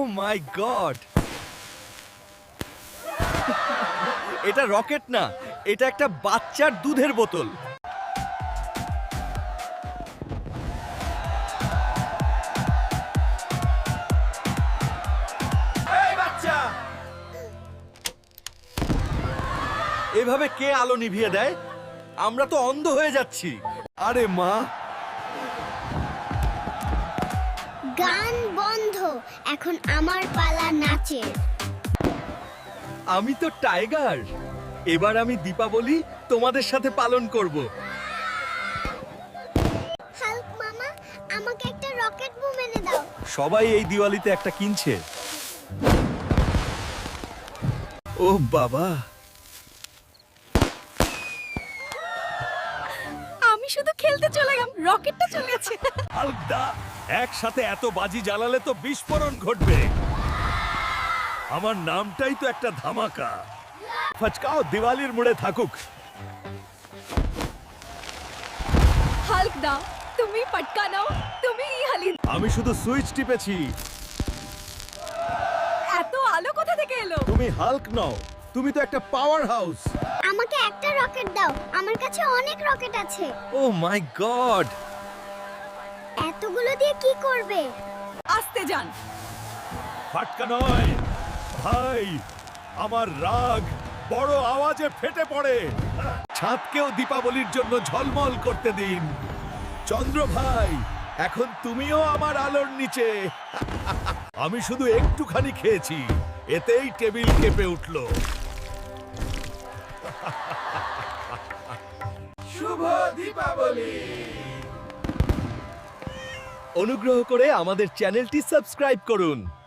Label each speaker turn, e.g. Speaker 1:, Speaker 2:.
Speaker 1: মাই god, এটা rocket না, এটা একটা বাচ্চার দুধের বোতল। এই বাচ্চা, এভাবে কে আলো নিভিয়ে দেয়? আমরা তো অন্ধ হয়ে যাচ্ছি। আরে মা,
Speaker 2: গান বন্ধ, এখন আমার পালা নাচের।
Speaker 1: আমি তো টাইগার। এবার আমি দীপাবলি তোমাদের সাথে পালন করব।
Speaker 2: হাল্ক মামা, আমাকে একটা রকেট বুম এনে দাও।
Speaker 1: সবাই এই দিওয়ালিতে একটা কিনছে। ও বাবা,
Speaker 3: আমি শুধু খেলতে চলে গেলাম, রকেটটা চলে গেছে।
Speaker 1: হাল্কদা, একসাথে এত বাজি জ্বালালে তো বিস্ফোরণ ঘটবে। আমার নামটাই তো একটা ধামাকা। ফচকাও দিওয়ালির মুড়ে থাকুক।
Speaker 3: হাল্ক দাও, তুমি পটকা নাও, তুমি হালি।
Speaker 1: আমি শুধু সুইচ টিপেছি।
Speaker 3: এত আলো কোথা থেকে এলো?
Speaker 1: তুমি হাল্ক নও, তুমি তো একটা পাওয়ার হাউস।
Speaker 2: আমাকে একটা রকেট দাও, আমার কাছে অনেক রকেট আছে।
Speaker 1: ও মাই গড,
Speaker 2: এতগুলো দিয়ে কি করবে?
Speaker 3: আসতে যান।
Speaker 1: ফাটকা নয় ভাই, আমার রাগ বড় আওয়াজে ফেটে পড়ে। ছাদকেও দীপাবলির জন্য ঝলমল করতে দিন। চন্দ্র ভাই, এখন তুমিও আমার আলোর নিচে। আমি শুধু একটুখানি খেয়েছি, এতেই টেবিল কেঁপে উঠল। শুভ দীপাবলি। অনুগ্রহ করে আমাদের চ্যানেলটি সাবস্ক্রাইব করুন।